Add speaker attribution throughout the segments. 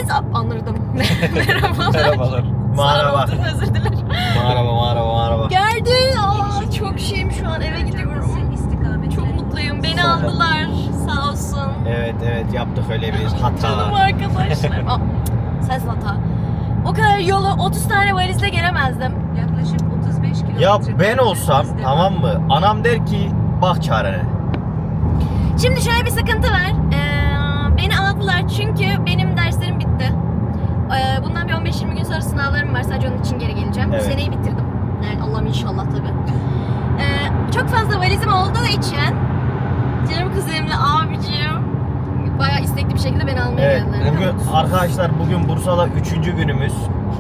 Speaker 1: Geldiniz. Anladım. Merhabalar.
Speaker 2: Merhabalar.
Speaker 1: Merhaba. Özür dilerim.
Speaker 2: Merhaba.
Speaker 1: Geldin. Aa, çok şeyim şu an, eve gidiyorum. Çok mutluyum. Beni aldılar. Sağ olsun.
Speaker 2: Evet yaptık öyle bir
Speaker 1: Canım
Speaker 2: hata.
Speaker 1: arkadaşlarım. Aa, sensin hata. O kadar yolu 30 tane valizle gelemezdim.
Speaker 3: Yaklaşık 35 kilometre.
Speaker 2: Ya ben olsam tamam mı? Anam der ki bak çarene.
Speaker 1: Şimdi şöyle bir sıkıntı var. Beni aldılar çünkü benim derslerim bitti. Bundan bir 15-20 gün sonra sınavlarım var. Sadece onun için geri geleceğim.
Speaker 2: Evet.
Speaker 1: Bu seneyi bitirdim. Yani Allah'ım inşallah tabii. Çok fazla valizim olduğu için canım kuzenimle abicim bayağı istekli bir şekilde beni almaya
Speaker 2: Evet.
Speaker 1: geldiler.
Speaker 2: Bugün arkadaşlar Bursa'da 3. günümüz.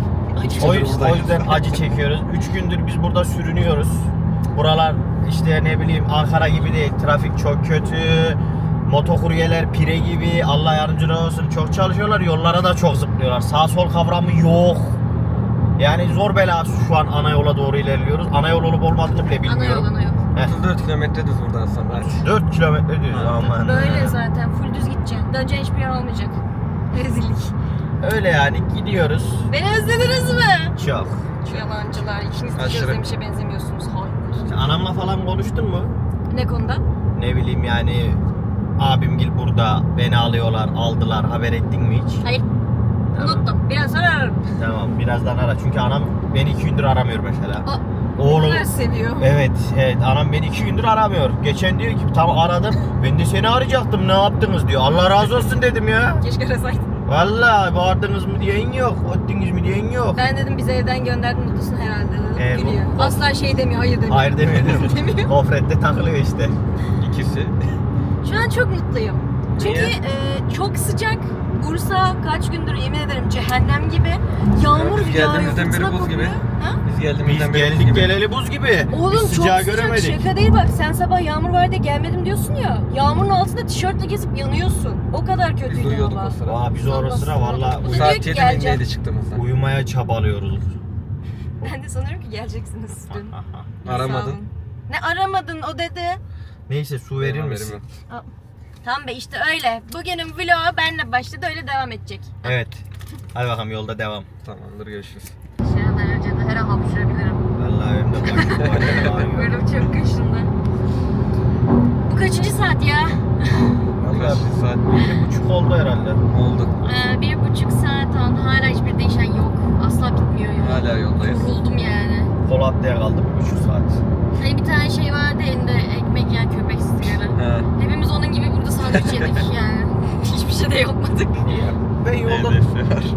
Speaker 2: O yüzden acı çekiyoruz. 3 gündür biz burada sürünüyoruz. Buralar işte ne bileyim Ankara gibi değil. Trafik çok kötü. Motokuryeler pire gibi. Allah yardımcıları olsun. Çok çalışıyorlar. Yollara da çok zıplıyorlar. Sağ sol kavramı yok. Yani zor belası şu an ana yola doğru ilerliyoruz. Ana yol olup olmadığını bile bilmiyorum.
Speaker 1: Ana yol.
Speaker 4: 34 kilometre düz buradan sonra.
Speaker 2: 4 kilometre düz aman.
Speaker 1: Böyle zaten full düz gideceksin. Döneceğin hiçbir yer olmayacak. Rezillik.
Speaker 2: Öyle yani gidiyoruz.
Speaker 1: Beni özlediniz mi?
Speaker 2: Çok.
Speaker 1: Yalancılar. İkiniz de
Speaker 4: Aşırı.
Speaker 1: özlemişe benzemiyorsunuz. Hayır.
Speaker 2: Anamla falan konuştun mu?
Speaker 1: Ne konuda?
Speaker 2: Ne bileyim yani abimgil burada beni aldılar haber ettin mi hiç?
Speaker 1: Hayır.
Speaker 2: Tamam.
Speaker 1: Unuttum. Biraz sonra ararım.
Speaker 2: Tamam birazdan ara çünkü anam beni 2 gündür aramıyor mesela.
Speaker 1: Oğlum. Seviyor.
Speaker 2: Evet anam beni 2 gündür aramıyor. Geçen diyor ki tam aradım ben de seni arayacaktım ne yaptınız diyor. Allah razı olsun dedim ya.
Speaker 1: Keşke arasaydın.
Speaker 2: Vallahi bağırdınız mı diyen yok, öttünüz mü diyen yok.
Speaker 1: Ben dedim bizi evden gönderdin mutlusun herhalde dedim. Gülüyor.
Speaker 2: bu-
Speaker 1: Asla şey demiyor, hayır demiyor.
Speaker 2: Hayır demiyor.
Speaker 1: Demiyor.
Speaker 2: Gofrette takılıyor işte.
Speaker 4: İkisi.
Speaker 1: Şu an çok mutluyum. Çünkü çok sıcak. Bursa kaç gündür yemin ederim cehennem gibi. Yağmur
Speaker 4: Biz
Speaker 1: yağıyor,
Speaker 4: geldiğimizden beri
Speaker 1: fırtına
Speaker 4: buz
Speaker 1: kopuyor.
Speaker 4: gibi.
Speaker 1: Ha?
Speaker 4: Biz
Speaker 2: Biz
Speaker 4: geldiğimizden beri buz
Speaker 2: geldik
Speaker 4: gibi.
Speaker 2: geleli buz gibi.
Speaker 1: Oğlum
Speaker 2: Biz
Speaker 1: çok
Speaker 2: sıcağı
Speaker 1: sıcak,
Speaker 2: göremedik.
Speaker 1: şaka değil bak, sen sabah yağmur var diye gelmedim diyorsun ya. Yağmurun altında tişörtle gezip yanıyorsun. O kadar
Speaker 4: Biz
Speaker 1: kötüydü
Speaker 4: uyuyorduk
Speaker 1: hava.
Speaker 4: o sıra.
Speaker 2: Aa, biz o sıra valla
Speaker 1: Bu
Speaker 4: Saat
Speaker 1: diyor ki
Speaker 4: 7
Speaker 1: geleceğim.
Speaker 4: mindeydi çıktığımızda.
Speaker 2: uyumaya çabalıyoruz.
Speaker 1: Ben de sanıyorum ki geleceksiniz dün.
Speaker 4: Aramadın.
Speaker 1: Sağ olun. Ne aramadın o dedi.
Speaker 2: Neyse su verir misin?
Speaker 1: Tamam be işte öyle. Bugünün vlogu benle başladı, öyle devam edecek.
Speaker 2: Evet. Hadi bakalım yolda devam.
Speaker 4: Tamamdır görüşürüz.
Speaker 1: Şuradan önce de her an hapşırabilirim.
Speaker 2: Vallahi benim de başım ağrıyor.
Speaker 1: Böyle çok kaşındı. Bu kaçıncı saat ya?
Speaker 4: Valla bir saat
Speaker 2: 1,5 oldu herhalde.
Speaker 4: oldu.
Speaker 1: 1,5 saat oldu. Hala hiçbir değişen yok. Asla bitmiyor ya.
Speaker 4: Hala yoldayız.
Speaker 1: Yoruldum yani.
Speaker 2: Polatlı'ya kaldım 1,5 saat.
Speaker 1: Hani bir tane şey vardı elinde, ekmek yiyen köpek sigara.
Speaker 4: He.
Speaker 1: Hepimiz onun gibi burada sandviç yedik yani. Hiçbir şey de yapmadık.
Speaker 2: Ben yolda...
Speaker 4: Hedefi var.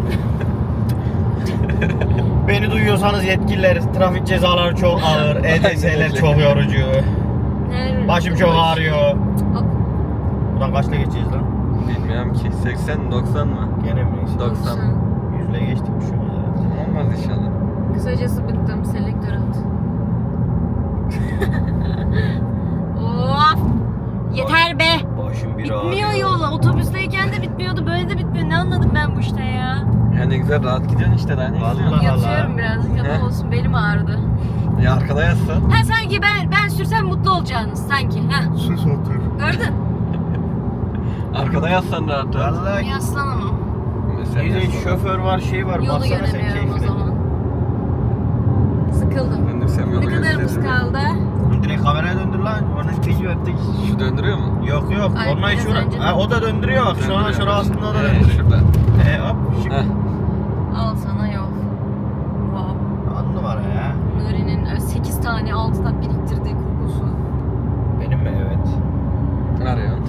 Speaker 2: Beni duyuyorsanız yetkililer, trafik cezaları çok ağır, EDS'ler çok yorucu. Başım çok ağrıyor.
Speaker 1: Hop.
Speaker 2: Buradan kaçta geçeceğiz lan?
Speaker 4: Bilmiyorum ki 80-90 mı?
Speaker 2: Gene mi?
Speaker 4: 90.
Speaker 2: 100'le geçtik bir şey olmaz herhalde.
Speaker 4: Olmaz inşallah.
Speaker 1: Kısacası bıktım. Selektör at. Of! Yeter be!
Speaker 2: Başım bir
Speaker 1: Bitmiyor
Speaker 2: ağrıyor.
Speaker 1: yol. Otobüsteyken de bitmiyordu. Böyle de bitmiyor. Ne anladım ben bu işte ya?
Speaker 4: Ya ne güzel rahat gidiyorsun işte daha ne
Speaker 2: Vallahi.
Speaker 4: istiyorsun?
Speaker 1: Yatıyorum birazcık ama
Speaker 4: He.
Speaker 1: olsun, belim ağrıdı.
Speaker 4: Ya arkada yatsan.
Speaker 1: Ha sanki ben sürsem mutlu olacaksınız sanki. Ha
Speaker 2: Sus otur.
Speaker 1: gördün?
Speaker 4: Arkada yatsan rahat rahat.
Speaker 2: Vallahi
Speaker 1: Yaslan onu.
Speaker 4: Mesela
Speaker 2: bir de
Speaker 4: yatsan.
Speaker 2: şoför var şey var.
Speaker 1: Yolu
Speaker 2: Baksana sen
Speaker 1: yöneliyorum o
Speaker 2: keyfine.
Speaker 1: zaman. Sıkıldım.
Speaker 4: Döndürsem yolu
Speaker 1: Ne kadarımız
Speaker 4: gösteririm.
Speaker 1: kaldı?
Speaker 2: Direkt kameraya döndür lan. Onun teci öttük.
Speaker 4: Şu döndürüyor mu?
Speaker 2: Yok
Speaker 1: Ay,
Speaker 2: Ondan
Speaker 1: biraz
Speaker 2: şura.
Speaker 1: önce
Speaker 2: Ha, o da döndürüyor bak. Şuna aslında o da döndürüyor.
Speaker 4: Şurada.
Speaker 2: Hop. Şık.
Speaker 4: Heh.
Speaker 1: Al sana yol. Wow.
Speaker 2: 10 numara ya.
Speaker 1: Nuri'nin 8 tane 6'da biriktirdiği kokusu.
Speaker 2: Benim mi? Evet.
Speaker 4: Arıyorsun.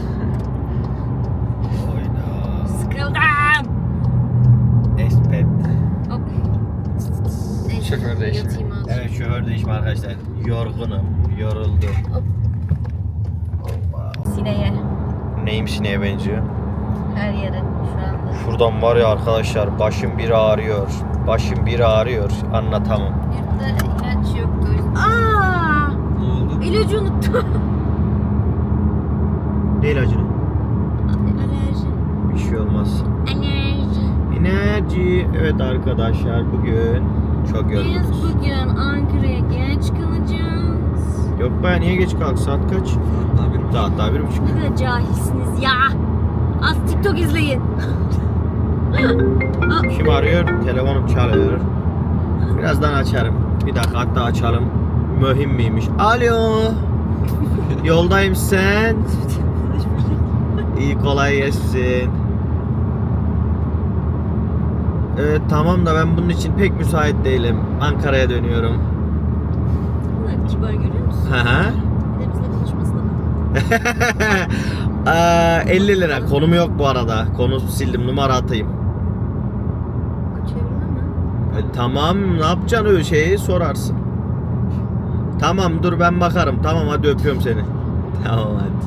Speaker 2: Oyna.
Speaker 1: Sıkıldım.
Speaker 2: Espet.
Speaker 1: Hop. Neyse,
Speaker 4: Şoför değişimi.
Speaker 1: yatayım azıcık.
Speaker 2: Evet şoför değişimi arkadaşlar. Yorgunum. Yoruldum.
Speaker 1: Hop.
Speaker 2: Hoppa.
Speaker 1: Sineğe.
Speaker 2: Neyim sineğe benziyor?
Speaker 1: Her yere şu anda.
Speaker 2: Şuradan var ya arkadaşlar başım bir ağrıyor. Başım bir ağrıyor. Anlatamam.
Speaker 1: Yurtta ilaç yoktu. Aaa!
Speaker 4: Ne oldu?
Speaker 1: İlacı unuttum.
Speaker 2: Ne ilacını?
Speaker 1: Alerji.
Speaker 2: Bir şey olmaz.
Speaker 1: Alerji.
Speaker 2: Enerji. Evet arkadaşlar bugün çok
Speaker 1: Biz
Speaker 2: yorgunuz.
Speaker 1: bugün Ankara'ya geç kalacağız.
Speaker 2: Yok be niye geç kalk? Saat kaç?
Speaker 4: Daha bir
Speaker 2: Saat daha 1:30.
Speaker 1: Ne kadar cahilsiniz ya. Az TikTok izleyin.
Speaker 2: Telefonum arıyor, telefonum çalıyor. Birazdan açarım. Bir dakika hatta açalım. Mühim miymiş? Alo. Yoldayım sen. İyi kolay gelsin. Evet tamam da ben bunun için pek müsait değilim. Ankara'ya dönüyorum.
Speaker 1: Bunlar kibar görüyor musun?
Speaker 2: Hı hı.
Speaker 1: Bir de bizle konuşmasına bak.
Speaker 2: 50 lira. Konum yok bu arada. Konu sildim. Numara atayım.
Speaker 1: Çevirme mi?
Speaker 2: Tamam ne yapacaksın öyle şeyi sorarsın. Tamam dur ben bakarım. Tamam hadi öpüyorum seni. Tamam hadi.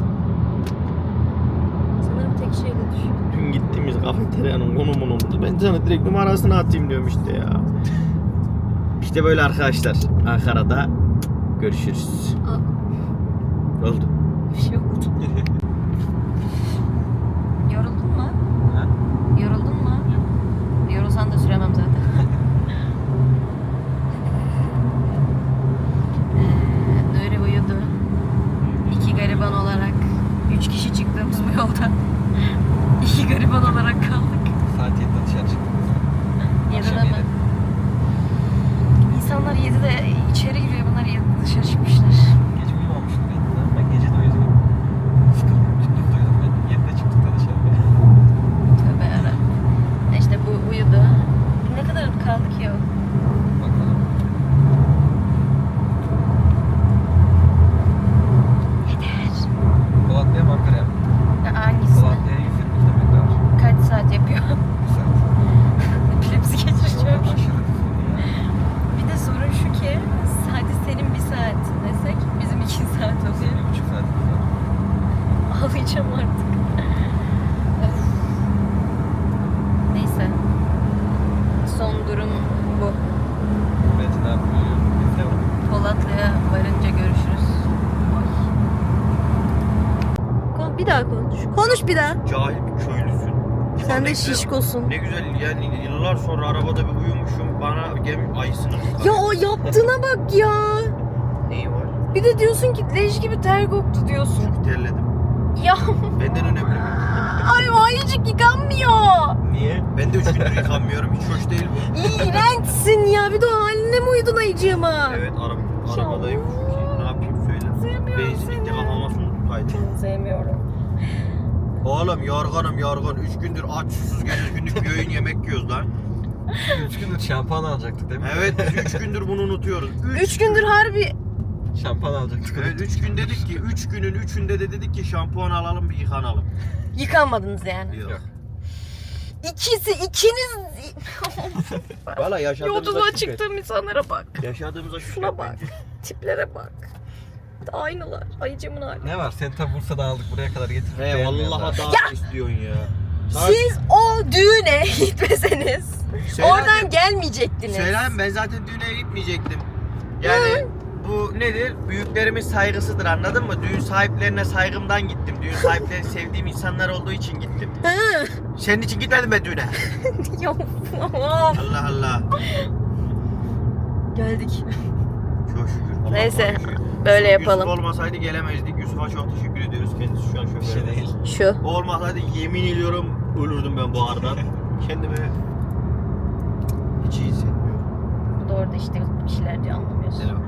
Speaker 1: Sanırım tek şeyle düşüyor.
Speaker 2: Dün gittiğimiz kafeteryanın konumunu unuttum. Ben sana direkt numarasını atayım diyorum işte ya. İşte böyle arkadaşlar. Ankara'da görüşürüz.
Speaker 1: Aa,
Speaker 2: Oldu.
Speaker 1: bir şey oldu. Yoruldun mu?
Speaker 4: Ha?
Speaker 1: Yoruldun mu? Yorulsan da süremem zaten. Nuri uyudu. 2 gariban olarak 3 kişi çıktığımız bu yolda 2 gariban olarak kaldık.
Speaker 4: Saat 7'de dışarı çıktık.
Speaker 1: 7'de mi? İnsanlar 7'de içeri giriyor, bunlar 7'de dışarı çıkmışlar.
Speaker 4: Gece uyumamıştım ben gece de uyudum. Sıkıldım. Gündüz de uyudum ben. 7'de çıktık da dışarı.
Speaker 1: Tövbe yarabbim. İşte bu uyudu. Ne kadar kaldı ki o?
Speaker 4: Bakalım.
Speaker 1: Yeter.
Speaker 4: Polatlı'ya mı Ankara'ya mı?
Speaker 1: Hangisini?
Speaker 4: Polatlı'ya 120 kilometre var.
Speaker 1: Kaç saat yapıyor?
Speaker 4: 1 saat.
Speaker 1: Epilepsi geçireceğim.
Speaker 4: Aşırı hızlı ya.
Speaker 1: Bir de sorun şu ki, hadi senin 1 saat desek bizim 2 saat oluyor.
Speaker 4: 1,5 saatimiz var.
Speaker 1: Ağlayacağım artık. Of. Neyse. Son durum bu.
Speaker 4: Metin abi uyuyor. Bizde var.
Speaker 1: Polatlı'ya varınca görüşürüz. Bir daha konuş. Konuş bir daha.
Speaker 2: Cahil bir köylüsün.
Speaker 1: Sen
Speaker 2: Ne
Speaker 1: de
Speaker 2: güzel-
Speaker 1: şişkosun.
Speaker 2: Ne güzel yani yıllar sonra arabada bir uyumuşum. Bana gelmiş ayısını tutar.
Speaker 1: Ya o yaptığına bak ya.
Speaker 2: Neyi var?
Speaker 1: Bir de diyorsun ki leş gibi ter koktu diyorsun.
Speaker 2: Çünkü terledim.
Speaker 1: Ya
Speaker 2: Benden önemli mi?
Speaker 1: ay o ayıcık yıkanmıyor.
Speaker 2: Niye? Ben de 3 gündür yıkanmıyorum. Hiç hoş değil bu.
Speaker 1: İğrençsin ya. Bir de o haline mi uydun ayıcığıma?
Speaker 2: Evet arabadayım çünkü. Ne yapayım söyle.
Speaker 1: Sevmiyorum
Speaker 2: Benzinlikte
Speaker 1: seni.
Speaker 2: kafama su tutaydı.
Speaker 1: Sevmiyorum.
Speaker 2: Oğlum yorgun. 3 gündür aç susuz geliyoruz. Günlük bir öğün yemek yiyoruz lan.
Speaker 4: 3 gündür şampuan alacaktık değil mi?
Speaker 2: Evet biz 3 gündür bunu unutuyoruz.
Speaker 1: 3 gündür harbi
Speaker 4: Şampuan alacaktık.
Speaker 2: Evet 3 gün dedik ki 3 günün 3'ünde de dedik ki şampuan alalım bir yıkanalım.
Speaker 1: yıkanmadınız yani.
Speaker 2: Yok.
Speaker 1: İkiniz
Speaker 2: Valla yaşadığımıza
Speaker 1: yolculuğa
Speaker 2: şükret.
Speaker 1: çıktığım insanlara bak.
Speaker 2: Yaşadığımıza şükret.
Speaker 1: Şuna bak.
Speaker 2: bence.
Speaker 1: Tiplere bak. Aynılar. Ayıcımın hali.
Speaker 4: Ne var? Seni tabi Bursa'dan aldık buraya kadar getirdik.
Speaker 2: He
Speaker 4: beğenmiyorlar.
Speaker 2: vallahi daha istiyorsun ya.
Speaker 1: Siz o düğüne gitmeseniz
Speaker 2: Söyle
Speaker 1: oradan
Speaker 2: hadi.
Speaker 1: gelmeyecektiniz.
Speaker 2: Söyleyeyim ben zaten düğüne gitmeyecektim. Yani bu nedir? Büyüklerimin saygısıdır anladın mı? Düğün sahiplerine saygımdan gittim. Düğün sahipleri sevdiğim insanlar olduğu için gittim.
Speaker 1: Hı.
Speaker 2: Senin için gitmedim ben düğüne.
Speaker 1: Yok.
Speaker 2: Allah Allah.
Speaker 1: Geldik.
Speaker 2: Çok şükür. Allah
Speaker 1: Neyse,
Speaker 2: şükür.
Speaker 1: böyle
Speaker 2: Yusuf
Speaker 1: yapalım.
Speaker 2: olmasaydı gelemezdik. Yusuf'a çok teşekkür ediyoruz. Kendisi şu an şoför.
Speaker 4: Bir şey değil.
Speaker 1: Şu.
Speaker 2: O olmasaydı yemin ediyorum ölürdüm ben bu aradan. Kendimi hiç iyi hissetmiyorum.
Speaker 1: Bu da orada işte bir şeyler diyor, anlamıyorsun.
Speaker 2: Selam.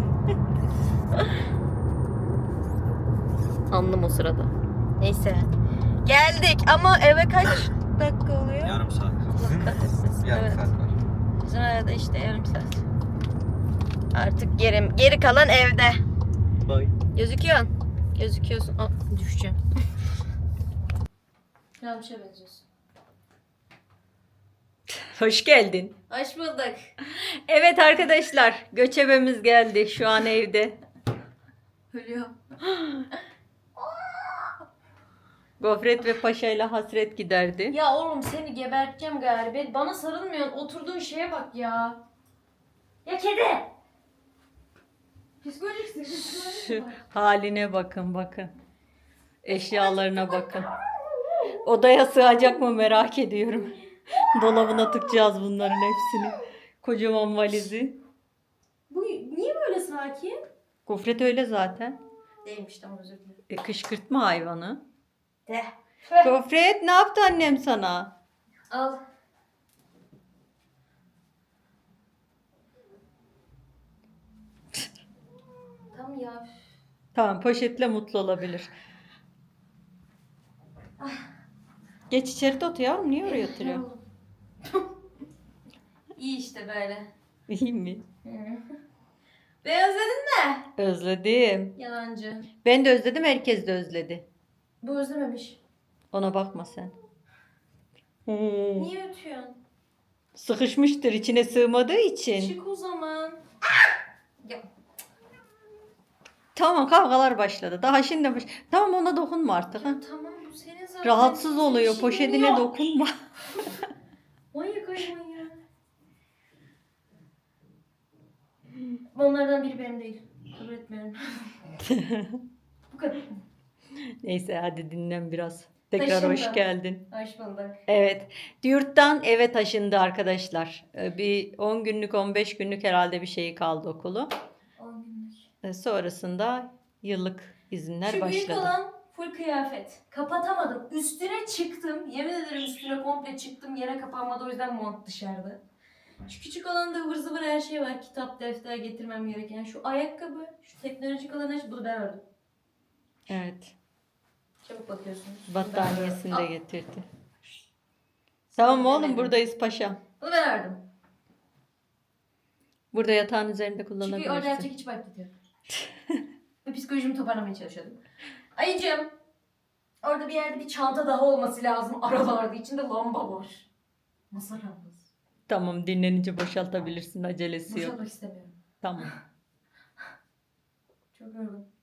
Speaker 1: Anlam o sırada. Neyse. Geldik ama eve kaç dakika oluyor?
Speaker 2: Yarım saat.
Speaker 1: Allah kahretsin.
Speaker 4: Yarım
Speaker 1: Evet.
Speaker 4: saat var.
Speaker 1: Bizim arada işte yarım saat. Artık geri kalan evde.
Speaker 2: Bye.
Speaker 1: Gözüküyorsun. Gözüküyorsun. Aa, düşeceğim. Ramşa benziyorsun.
Speaker 5: Hoş geldin.
Speaker 1: Hoş bulduk.
Speaker 5: Evet arkadaşlar, göçebemiz geldi şu an evde.
Speaker 1: Ölüyor.
Speaker 5: Gofret ve Paşa ile hasret giderdi.
Speaker 1: Ya oğlum seni geberteceğim galiba. Bana sarılmıyorsun. Oturduğun şeye bak ya. Ya kedi. Psikolojik
Speaker 5: Şu haline bakın. Eşyalarına bakın. Odaya sığacak mı merak ediyorum. Dolabına tıkacağız bunların hepsini. Kocaman valizi.
Speaker 1: Bu niye böyle sakin?
Speaker 5: Gofret öyle zaten.
Speaker 1: Değilmiş, tamam, özür dilerim.
Speaker 5: Kışkırtma hayvanı.
Speaker 1: De.
Speaker 5: Gofret ne yaptı annem sana?
Speaker 1: Al. Tamam ya.
Speaker 5: Tamam, poşetle mutlu olabilir. Geç içeri de otur yavrum. Niye oraya oturuyorsun?
Speaker 1: İyi işte böyle.
Speaker 5: İyi mi?
Speaker 1: Beni özledin mi?
Speaker 5: Özledim.
Speaker 1: Yalancı.
Speaker 5: Ben de özledim. Herkes de özledi.
Speaker 1: Bu özlememiş.
Speaker 5: Ona bakma sen.
Speaker 1: Niye ötüyorsun?
Speaker 5: Sıkışmıştır içine sığmadığı için.
Speaker 1: Çık o zaman. Ya,
Speaker 5: Tamam, kavgalar başladı. Daha şimdi Tamam, ona dokunma artık. Ha?
Speaker 1: ya tamam bu senin zaten.
Speaker 5: Rahatsız
Speaker 1: Senin
Speaker 5: oluyor.
Speaker 1: işin
Speaker 5: Poşetine
Speaker 1: yok.
Speaker 5: dokunma.
Speaker 1: Manyak hayvan ya. Onlardan biri benim değil. Kabul etmiyorum. Bu kadar.
Speaker 5: Neyse hadi dinlen biraz. Tekrar
Speaker 1: Taşındı.
Speaker 5: hoş geldin.
Speaker 1: Hoş bulduk.
Speaker 5: Evet. Yurttan eve taşındı arkadaşlar. Bir 10 günlük 15 günlük herhalde bir şey kaldı okulu.
Speaker 1: 10 günlük.
Speaker 5: Sonrasında yıllık izinler
Speaker 1: Şu büyük
Speaker 5: başladı.
Speaker 1: olan full kıyafet. Kapatamadım. Üstüne çıktım. Yemin ederim üstüne komple çıktım. Yere kapanmadı o yüzden mont dışarıda. Şu küçük alanda ıvır zıvır her şey var. Kitap, defter getirmem gereken. Şu ayakkabı, şu teknolojik olan her şey. Bunu ben ördüm.
Speaker 5: Evet.
Speaker 1: Çabuk bakıyorsunuz.
Speaker 5: Battaniyesini de
Speaker 1: Aa,
Speaker 5: getirdi. Tamam oğlum,
Speaker 1: denedim.
Speaker 5: buradayız paşam.
Speaker 1: Bunu ben ördüm.
Speaker 5: Burada yatağın üzerinde
Speaker 1: Çünkü orada
Speaker 5: kullanabilirsin.
Speaker 1: yapacak hiç vakit yok. Ve psikolojimi toparlamaya çalışıyordum. Ayıcığım. Orada bir yerde bir çanta daha olması lazım aralarda. İçinde lamba var. Masa lambası.
Speaker 5: Tamam, dinlenince boşaltabilirsin, acelesi yok.
Speaker 1: Boşaltmak istemiyorum.
Speaker 5: Tamam.
Speaker 1: Çok yoruldum.